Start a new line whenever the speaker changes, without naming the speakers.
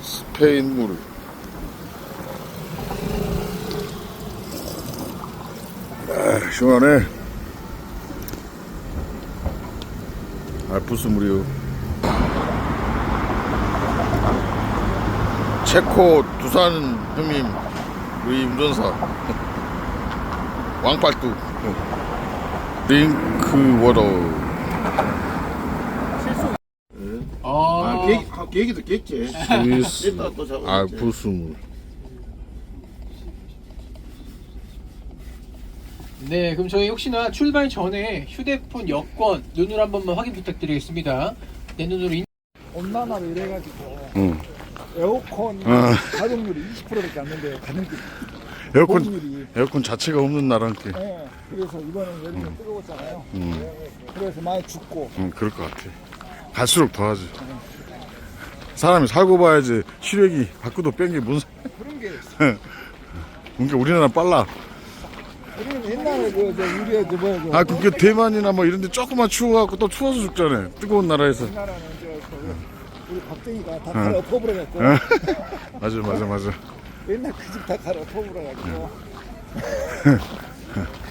스페인 물. 아, 시원하네. 알프스 물이요. 체코 두산 형님 우리 운전사 왕팔뚝 링크 워터.
계기도 깼지.
스위스
이따 또 잡아야지.
알프스 물.
네, 그럼 저희 혹시나 출발 전에 휴대폰 여권 눈으로 한 번만 확인 부탁드리겠습니다. 내 눈으로
온난화로 이래가지고
응.
에어컨
아.
가동률이 20%밖에 안 되는데 가동률이
에어컨 에어컨 자체가 없는 나라니까.
네, 그래서 이번엔 여름이 뜨거웠잖아요. 그래서 많이 춥고
그럴 것 같아. 갈수록 더하지. 사람이 살고 봐야지 시력이 바꾸도 뺀 게 무슨.
그런 게
그러니까 우리나라 빨라.
우리는 옛날에 저 우리의 저 뭐야 그
아, 그게 대만이나 뭐 이런데 조금만 추워갖고 또 추워서 죽잖아. 뜨거운 나라에서.
우리나라는 우리 박정희가 다 갈아 엎어버려갖고
맞아.
옛날 그 집 다 갈아 엎어버려갖고